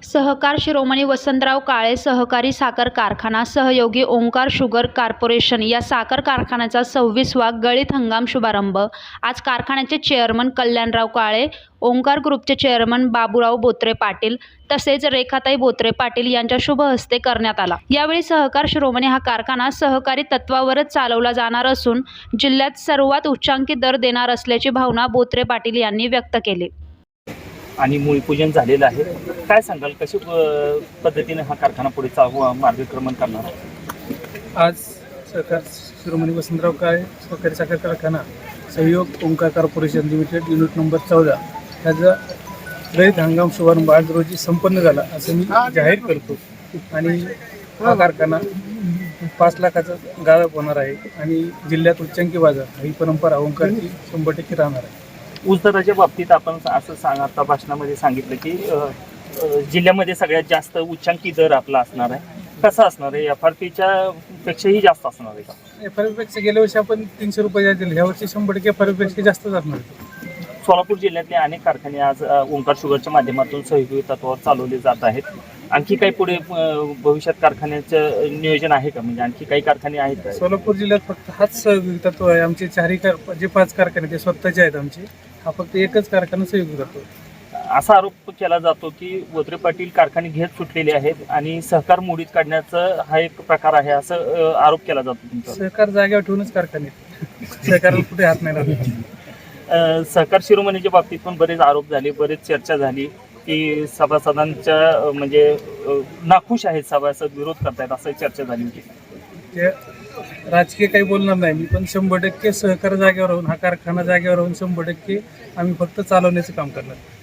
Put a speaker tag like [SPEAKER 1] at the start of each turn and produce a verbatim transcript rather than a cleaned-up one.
[SPEAKER 1] सहकार शिरोमणी वसंतराव काळे सहकारी साखर कारखाना सहयोगी ओंकार शुगर कॉर्पोरेशन या साखर कारखान्याचा सव्वीसवा गळीत हंगाम शुभारंभ आज कारखान्याचे चेअरमन कल्याणराव काळे, ओंकार ग्रुपचे चेअरमन बाबूराव बोत्रे पाटील तसेच रेखाताई बोत्रे पाटील यांच्या शुभ हस्ते करण्यात आला। यावेळी सहकार शिरोमणी हा कारखाना सहकारी तत्वावरच चालवला जाणार असून जिल्ह्यात सर्वात उच्चांकी दर देणार असल्याची भावना बोत्रे पाटील यांनी व्यक्त केली।
[SPEAKER 2] आणि मूळपूजन झालेलं आहे। काय सांगाल, कशी पद्धतीने हा कारखाना पुढे चालू मार्गक्रमण करणार आहे?
[SPEAKER 3] आज सहकार शिरोमणी वसंतराव काळे सहकारी साखर कारखाना Sahyog Omkar corporation limited unit number चौदा ह्याचा रयत हंगाम शुभारंभ आज रोजी संपन्न झाला असं मी जाहीर करतो। आणि हा कारखाना पाच लाखाचा गाळप होणार आहे आणि जिल्ह्यात उच्चांकी बाजार ही परंपरा ओंकारची शंभर टक्के राहणार आहे।
[SPEAKER 2] ऊस दराच्या बाबतीत आपण असं सांग आता भाषणामध्ये सांगितलं की जिल्ह्यामध्ये सगळ्यात जास्त उच्चांकी दर आपला असणार आहे। कसा असणार आहे? एफ आर पीच्या पेक्षाही जास्त असणार आहे का?
[SPEAKER 3] एफ आर पी पेक्षा गेल्या वर्षी आपण तीनशे रुपये दिले, ह्या वर्षी शंभर टक्के एफ आर पी पेक्षा जास्तच असणार आहे।
[SPEAKER 2] सोलापूर जिल्ह्यातले अनेक कारखाने आज ओंकार शुगरच्या माध्यमातून सहयोगी तत्वावर चालवले जात आहेत। आणखी काही पुढे भविष्यात कारखान्याचं नियोजन आहे का? म्हणजे आणखी काही कारखाने आहेत का?
[SPEAKER 3] सोलापूर जिल्ह्यात फक्त हाच सहयोगी तत्व आहे। आमचे चारही कार जे पाच कारखाने ते स्वतःचे आहेत आमचे, हा फक्त एकच कारखाना सहयोगी तत्व।
[SPEAKER 2] असा आरोप केला जातो की बोत्रे पाटील कारखाने घेत सुटलेले आहेत आणि सहकार मोडीत काढण्याचा हा एक प्रकार आहे, असं आरोप केला जातो तुमचा।
[SPEAKER 3] सहकार जागेवर ठेवूनच कारखाने सहकाराला कुठे हात नाही लागला।
[SPEAKER 2] सहकार शिरोमणीच्या बाबतीत पण बरेच आरोप झाले, बरेच चर्चा झाली की सभासदांच्या म्हणजे नाखुश आहेत, सभासद विरोध करतायत, असं चर्चा झाली होती।
[SPEAKER 3] ते राजकीय काही बोलणार नाही मी, पण शंभर टक्के सहकार जागेवर राहून हा कारखाना जागेवर राहून शंभर टक्के आम्ही फक्त चालवण्याचं काम करणार।